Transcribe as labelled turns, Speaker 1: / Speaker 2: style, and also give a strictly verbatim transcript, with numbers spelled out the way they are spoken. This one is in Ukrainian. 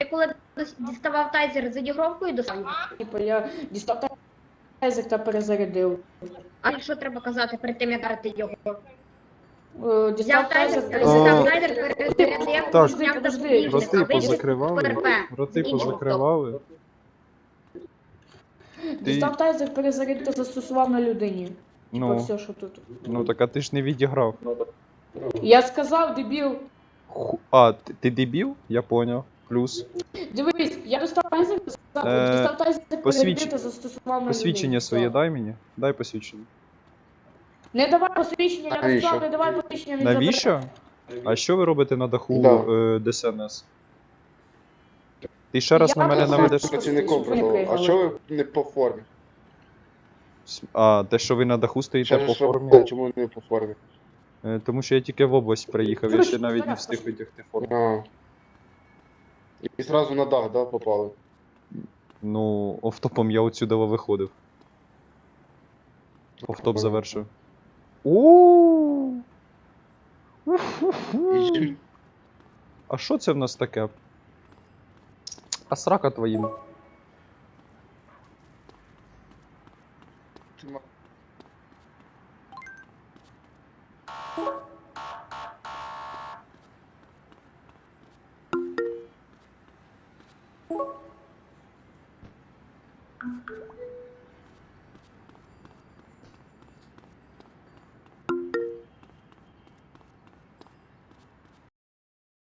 Speaker 1: коли діставав тайзер за дігровкою достав його?
Speaker 2: Типу, я дістав тайзер та перезарядив.
Speaker 1: А що треба казати перед тим, як дарити його?
Speaker 2: Е, Дістав
Speaker 1: Взяв тайзер,
Speaker 2: тайзер,
Speaker 1: дістав
Speaker 3: О,
Speaker 1: тайзер, перезарядив,
Speaker 3: так.
Speaker 1: зняв
Speaker 2: Подожди,
Speaker 1: запобіжник,
Speaker 3: Роти
Speaker 1: а вийшов
Speaker 3: позакривали,
Speaker 1: ПРП.
Speaker 3: роти
Speaker 1: Закінчив
Speaker 3: позакривали.
Speaker 2: Дістав тайзер, перезарядив та застосував на людині. Типа
Speaker 3: Ну,
Speaker 2: все, що тут.
Speaker 3: ну так а ти ж не відіграв.
Speaker 2: Я сказав, дебіл.
Speaker 3: Ху- А, ти, ти дебіл? Я поняв. Плюс.
Speaker 2: Дивись, я достав тайзер,
Speaker 3: Е,
Speaker 2: дістав тайзер,
Speaker 3: посвідч-
Speaker 2: перезарядив та застосував на
Speaker 3: Посвідчення
Speaker 2: людині.
Speaker 3: своє
Speaker 2: Все.
Speaker 3: дай мені. Дай посвідчення.
Speaker 2: Не давай посвідчення, я
Speaker 4: Навіщо?
Speaker 2: сказав, не давай посвідчення, не
Speaker 3: Навіщо? А що ви робите на даху
Speaker 4: Да.
Speaker 3: е, ДСНС? Ти ще раз
Speaker 2: Я
Speaker 3: на мене
Speaker 2: просто-
Speaker 3: наведеш.
Speaker 4: Працівником
Speaker 2: Щоб ви не
Speaker 4: придав. А
Speaker 2: приїхали.
Speaker 4: чого ви не по формі?
Speaker 3: А, те, що ви на даху стоїте
Speaker 4: Ще
Speaker 3: по
Speaker 4: ж що,
Speaker 3: формі.
Speaker 4: чому не по формі?
Speaker 3: Е, Тому що я тільки в область приїхав, я ще навіть не встиг витягти форму.
Speaker 4: А. І зразу на дах, да, попали?
Speaker 3: Ну, офтопом я отсюда виходив. Офтоп завершив. О!
Speaker 4: І-
Speaker 3: А що це в нас таке? А срака твоїм.